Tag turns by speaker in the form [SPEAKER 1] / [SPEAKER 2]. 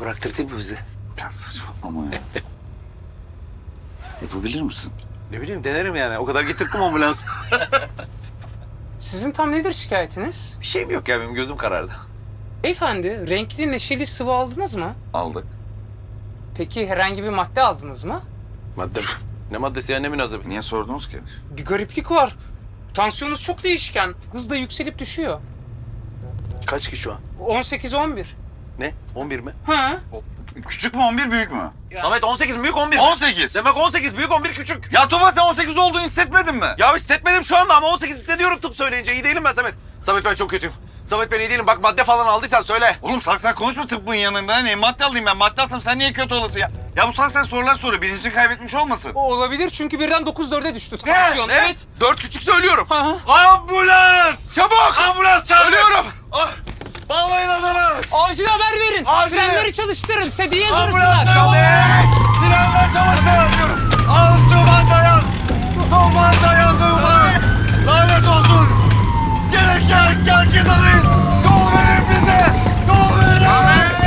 [SPEAKER 1] bıraktırtayım mı bizi?
[SPEAKER 2] Ya saçmalama ya. Yapabilir misin?
[SPEAKER 1] Ne bileyim denerim yani. O kadar getirdim ambulans.
[SPEAKER 3] Sizin tam nedir şikayetiniz?
[SPEAKER 1] Bir şeyim yok ya benim gözüm karardı.
[SPEAKER 3] Beyefendi, renkli neşeli sıvı aldınız mı?
[SPEAKER 2] Aldık.
[SPEAKER 3] Peki herhangi bir madde aldınız mı?
[SPEAKER 1] Madde mi? Ne maddesi ya ne münasebet?
[SPEAKER 2] Niye sordunuz ki?
[SPEAKER 3] Bir gariplik var. Tansiyonunuz çok değişken. Hızla yükselip düşüyor.
[SPEAKER 1] Kaç ki şu an?
[SPEAKER 3] 18-11.
[SPEAKER 1] Ne? 11 mi?
[SPEAKER 3] Ha?
[SPEAKER 2] Küçük mü 11 büyük mü?
[SPEAKER 1] Samet 18 büyük 11.
[SPEAKER 2] 18.
[SPEAKER 1] Demek 18 büyük 11 küçük.
[SPEAKER 2] Ya Tufan sen 18 olduğunu hissetmedin mi?
[SPEAKER 1] Ya hissetmedim şu anda ama 18 hissediyorum tıp söyleyince. İyi değilim ben Samet. Samet ben çok kötüyüm. Samet ben iyi değilim. Bak madde falan aldıysan söyle.
[SPEAKER 2] Oğlum salak konuşma tıbbın yanında. Ne madde alayım ben? Madde alsam sen niye kötü olasın ya? Ya bu salak sorular soruyor. Bilincini kaybetmiş olmasın?
[SPEAKER 3] O olabilir çünkü birden 9-4'e düştü tansiyon.
[SPEAKER 1] Ne?
[SPEAKER 3] Evet.
[SPEAKER 1] 4 küçük söylüyorum.
[SPEAKER 3] Ha.
[SPEAKER 2] Ambulans!
[SPEAKER 1] Çabuk!
[SPEAKER 2] Ambulans çağır!
[SPEAKER 1] Ölüyorum.
[SPEAKER 2] Ah! Bağlayın adamı!
[SPEAKER 3] Acil haber verin.
[SPEAKER 2] Acil.
[SPEAKER 3] Frenleri çalıştırın. Sedyeyi
[SPEAKER 2] Ambulans!
[SPEAKER 3] dursunlar.
[SPEAKER 2] Silahlar çalıştır!